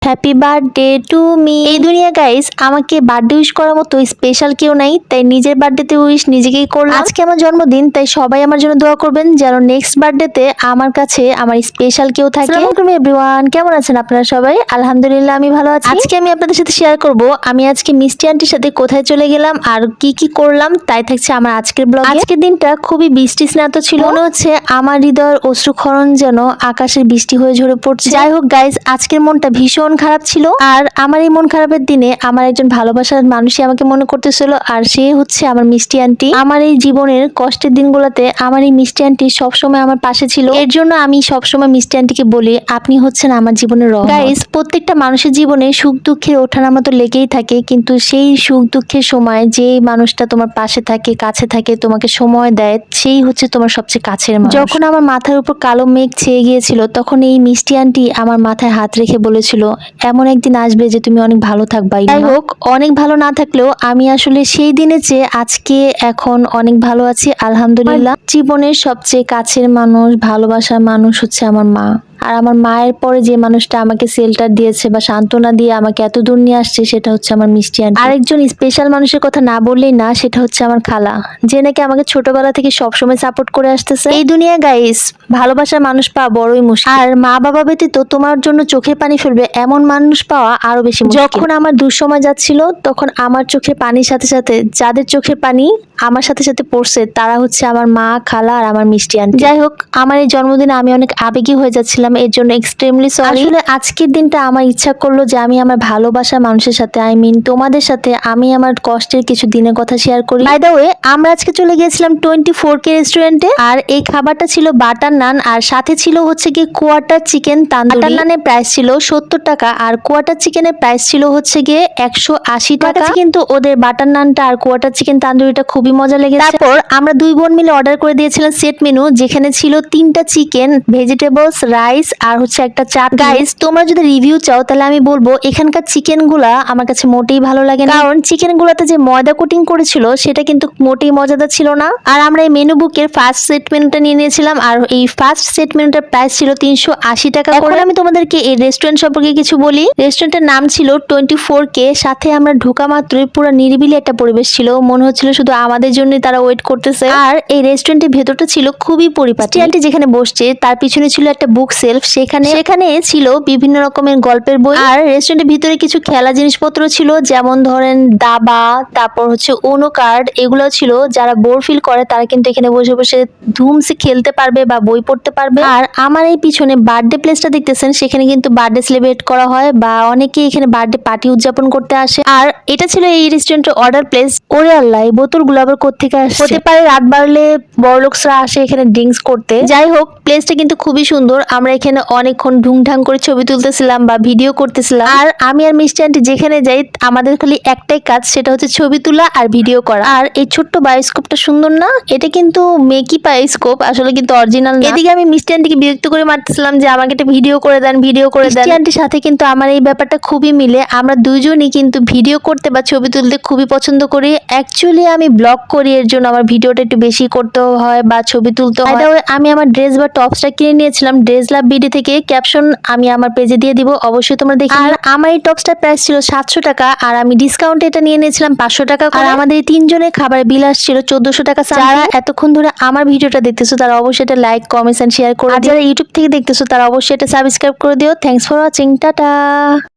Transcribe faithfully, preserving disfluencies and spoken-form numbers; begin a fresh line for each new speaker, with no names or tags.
Happy birthday to me. এই দুনিয়া guys আমাকে বার্থডে উইশ করার মতো স্পেশাল কেউ নাই, তাই নিজের বার্থডেতে উইশ নিজেকেই করলাম। আজকে আমার জন্মদিন, তাই সবাই আমার জন্য দোয়া করবেন যেন নেক্সট বার্থডেতে আমার কাছে আমার স্পেশাল কেউ থাকে। আসসালামু আলাইকুম এভরিওয়ান, কেমন আছেন আপনারা সবাই? আলহামদুলিল্লাহ আমি ভালো আছি। আজকে আমি আপনাদের সাথে শেয়ার করব আমি আজকে মিষ্টি আন্টির সাথে কোথায় চলে গেলাম আর কি কি করলাম, তাই থাকছে আমার আজকের ব্লগে। আজকের দিনটা খুবই বৃষ্টি স্নাত ছিল, মনে হচ্ছে আমার হৃদয়ের অশ্রুক্ষরণ যেন আকাশের বৃষ্টি হয়ে ঝরে পড়ছে। যাই হোক গাইস, আজকের মনটা ভীষণ খারাপ ছিল, আর আমার এই মন খারাপের দিনে আমার একজন ভালোবাসার মানুষই আমাকে মনে করতেছিল, আর সে হচ্ছে আমার মিষ্টি আন্টি। আমার এই জীবনের কষ্টের দিনগুলোতে আমার এই মিষ্টি আন্টি সবসময় আমার পাশে ছিল, এর জন্য আমি সবসময় মিষ্টি আন্টিকে বলি আপনি হচ্ছেন আমার জীবনের রহমত। গাইস, প্রত্যেকটা মানুষের জীবনে সুখ দুঃখের ওঠানামা তো লেগেই থাকে, কিন্তু সেই সুখ দুঃখের সময় যে মানুষটা তোমার পাশে থাকে, কাছে থাকে, তোমাকে সময় দেয়, সেই হচ্ছে তোমার সবচেয়ে কাছের মানুষ। যখন আমার মাথার উপর কালো মেঘ ছেয়ে গিয়েছিল, তখন এই মিষ্টি আন্টি আমার মাথায় হাত রেখে বলেছিল এমন একদিন আসবে যে তুমি অনেক ভালো থাকবা। যাই হোক, অনেক ভালো না থাকলেও আমি আসলে সেই দিনে চেয়ে আজকে এখন অনেক ভালো আছি আলহামদুলিল্লাহ। জীবনের সবচেয়ে কাছের মানুষ, ভালোবাসার মানুষ হচ্ছে আমার মা। আর আমার মায়ের পরে যে মানুষটা আমাকে শেল্টার দিয়েছে বা সান্ত্বনা দিয়ে আমাকে এত দূর নিয়ে আসছে, সেটা হচ্ছে আমার মিষ্টি আন্টি। আরেকজন স্পেশাল মানুষের কথা না বললেই না, সেটা হচ্ছে আমার খালা, যে নাকি আমাকে ছোটবেলা থেকে সবসময় সাপোর্ট করে আসতেছে। এই দুনিয়া গাইস ভালোবাসার মানুষ পাওয়া বড়ই মুশকিল, আর মা বাবা ব্যতীত তোমার জন্য চোখে পানি ফেলবে এমন মানুষ পাওয়া আরো বেশি মুশকিল। যখন আমার দুঃসময় যাচ্ছিল, তখন আমার চোখের পানির সাথে সাথে যাদের চোখের পানি আমার সাথে সাথে পড়ছে, তারা হচ্ছে আমার মা, খালা আর আমার মিষ্টি আন্টি। যাই হোক, আমার এই জন্মদিনে আমি অনেক আবেগী হয়ে যাচ্ছিলাম, এর জন্য এক্সট্রিমলি সরি। আসলে আজকের দিনটা আমার ইচ্ছা করলো যে আমি আমার ভালোবাসা মানুষের সাথে, আই মিন তোমাদের সাথে আমি আমার কষ্টের কিছু দিনের কথা শেয়ার করি। বাই দ্য ওয়ে, আমরা আজকে চলে গিয়েছিলাম টোয়েন্টি ফোর কে রেস্টুরেন্টে, আর এই খাবারটা ছিল বাটার নান, আর সাথে ছিল হচ্ছে গিয়ে কোয়াটার চিকেন তান্দুরি। বাটার নানের প্রাইস ছিল সত্তর টাকা, আর কোয়াটার চিকেনের প্রাইস ছিল হচ্ছে গিয়ে একশো আশি টাকা। কিন্তু ওদের বাটার নানটা আর কোয়াটার চিকেন তান্দুরিটা খুবই মজা লেগেছে। তারপর আমরা দুই বোন মিলে অর্ডার করে দিয়েছিলাম সেট মেনু, যেখানে ছিল তিনটা চিকেন, ভেজিটেবলস, রাইস আর হচ্ছে একটা চাট। গাইস, তোমরা যদি রিভিউ চাও তাহলে আমি বলবো এখানকার চিকেন গুলা আমার কাছে মোটেই ভালো লাগে না, কারণ চিকেন গুলাতে যে ময়দা কোটিং করেছিল সেটা কিন্তু মোটেই মজাদার ছিল না। আর আমরা এই মেনু বুকের ফার্স্ট সেট মেনুটা নিয়ে নিয়েছিলাম, আর এই ফার্স্ট সেট মেনুটার প্রাইস ছিল তিনশো আশি টাকা করে। আমি তোমাদেরকে এই রেস্টুরেন্ট সম্পর্কে কিছু বলি। রেস্টুরেন্টের নাম ছিল টোয়েন্টি ফোর কে। সাথে আমরা ঢোকা মাত্রই পুরো নিরিবিলি একটা পরিবেশ ছিল, মনে হচ্ছিল শুধু আমাদের জন্যই তারা ওয়েট করতেছে। আর এই রেস্টুরেন্টের ভেতরটা ছিল খুবই পরিপাটি। আন্টি যেখানে বসছে তার পিছনে ছিল একটা বুক সেলফ, সেখানে সেখানে ছিল বিভিন্ন রকমের গল্পের বই, আর রেস্টুরেন্টের ভিতরে কিছু খেলা জিনিসপত্র ছিল, যেমন ধরেন দাবা, তারপর হচ্ছে উনো কার্ড, এগুলো ছিল। যারা বোর ফিল করে তারা কিন্তু এখানে বসে বসে ধুমসে খেলতে পারবে বা বই পড়তে পারবে। আর আমার এই পিছনে বার্থডে প্লেসটা দেখতেছেন, সেখানে কিন্তু বার্থডে সেলিব্রেট করা হয় বা অনেকেই এখানে বার্থডে পার্টি উদযাপন করতে আসে। আর এটা ছিল এই রেস্টুরেন্টের অর্ডার প্লেস। ওরে আল্লাহ, এই বোতলগুলো আবার কোত্থেকে আসছে? হতে পারে রাত বাড়লে বড়লোকসরা আসে এখানে ড্রিঙ্কস করতে। যাই হোক, প্লেসটা কিন্তু খুবই সুন্দর। আমরা এখানে অনেকক্ষণ ঢুংঢাং করে ছবি তুলতেছিলাম বা ভিডিও করতেছিলাম, আর আমি আর মিষ্টি আন্টি যেখানে যাই আমাদের খালি একটাই কাজ, সেটা হচ্ছে ছবি তোলা আর ভিডিও করা। আর এই ছোট্ট বায়োস্কোপটা সুন্দর না? এটা কিন্তু মেকি বায়োস্কোপ, আসলে কিন্তু অরিজিনাল না। এদিকে আমি মিষ্টি আন্টিকে বিরক্ত করে মারতেছিলাম যে আমাকে একটা ভিডিও করে দেন, ভিডিও করে দেন। মিষ্টি আন্টির সাথে কিন্তু আমার এই ব্যাপারটা খুবই মিলে, আমরা দুইজনই কিন্তু ভিডিও করতে বা ছবি তুলতে খুবই পছন্দ করি। অ্যাকচুয়ালি আমি ব্লগ করি, এর জন্য আমার ভিডিওটা একটু বেশি করতে হয় বা ছবি তুলতে হয়। আমি আমার ড্রেস বা টপসটা কিনে নিয়েছিলাম ড্রেস লাভ বিডি থেকে, ক্যাপশন আমি আমার পেজে দিয়ে দিব, অবশ্যই তোমরা দেখে। আর আমার এই টপসটার প্রাইস ছিল সাতশো টাকা, আর আমি ডিসকাউন্টে এটা নিয়ে নিয়েছিলাম পাঁচশো টাকা করে। আর আমাদের এই তিনজনের খাবার বিল আসছিল চোদ্দশো টাকা। যারা এতক্ষণ ধরে আমার ভিডিওটা দেখতেছো তারা অবশ্যই এটা লাইক, কমেন্টস এন্ড শেয়ার করে দিও। আর যারা ইউটিউব থেকে দেখতেছো তারা অবশ্যই এটা সাবস্ক্রাইব করে দিও। Thanks for watching, tata.